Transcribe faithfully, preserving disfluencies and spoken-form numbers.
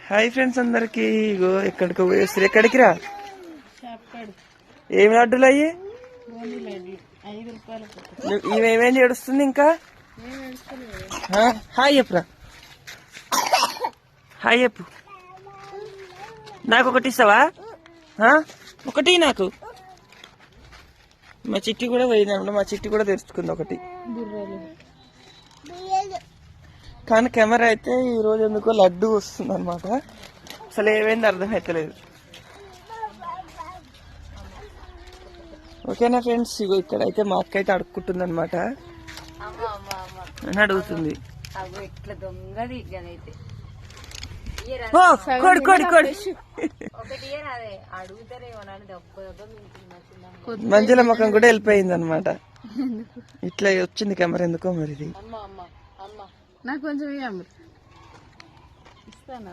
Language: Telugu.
హాయ్ ఫ్రెండ్స్ అందరికి. ఇగో ఎక్కడికి పోయేస్తారు? ఎక్కడికి రా? ఏమి లడ్డులు అయ్యి? ఇవేమేమి ఏడుస్తుంది ఇంకా? హాయ్ చెప్పురా, హాయ్ చెప్పు. నాకు ఒకటి ఇస్తావా? ఒకటి నాకు. మా చిట్టి కూడా పోయిందన్నమాట. మా చిట్టి కూడా తెరుచుకుంది ఒకటి. కానీ కెమెరా అయితే ఈ రోజు ఎందుకో లడ్డు వస్తుంది అనమాట. అసలు ఏమైంది అర్థమైతలేదు. ఓకేనా ఫ్రెండ్స్? ఇగో ఇక్కడైతే మా అక్క అయితే అడుక్కుంటుంది అనమాట. అని అడుగుతుంది. కోడి కోడి కోడి మంజుల ముఖం కూడా వెళ్ళిపోయింది అనమాట. ఇట్లా వచ్చింది కెమెరా ఎందుకో మరి. ఇది నాకు కొంచెం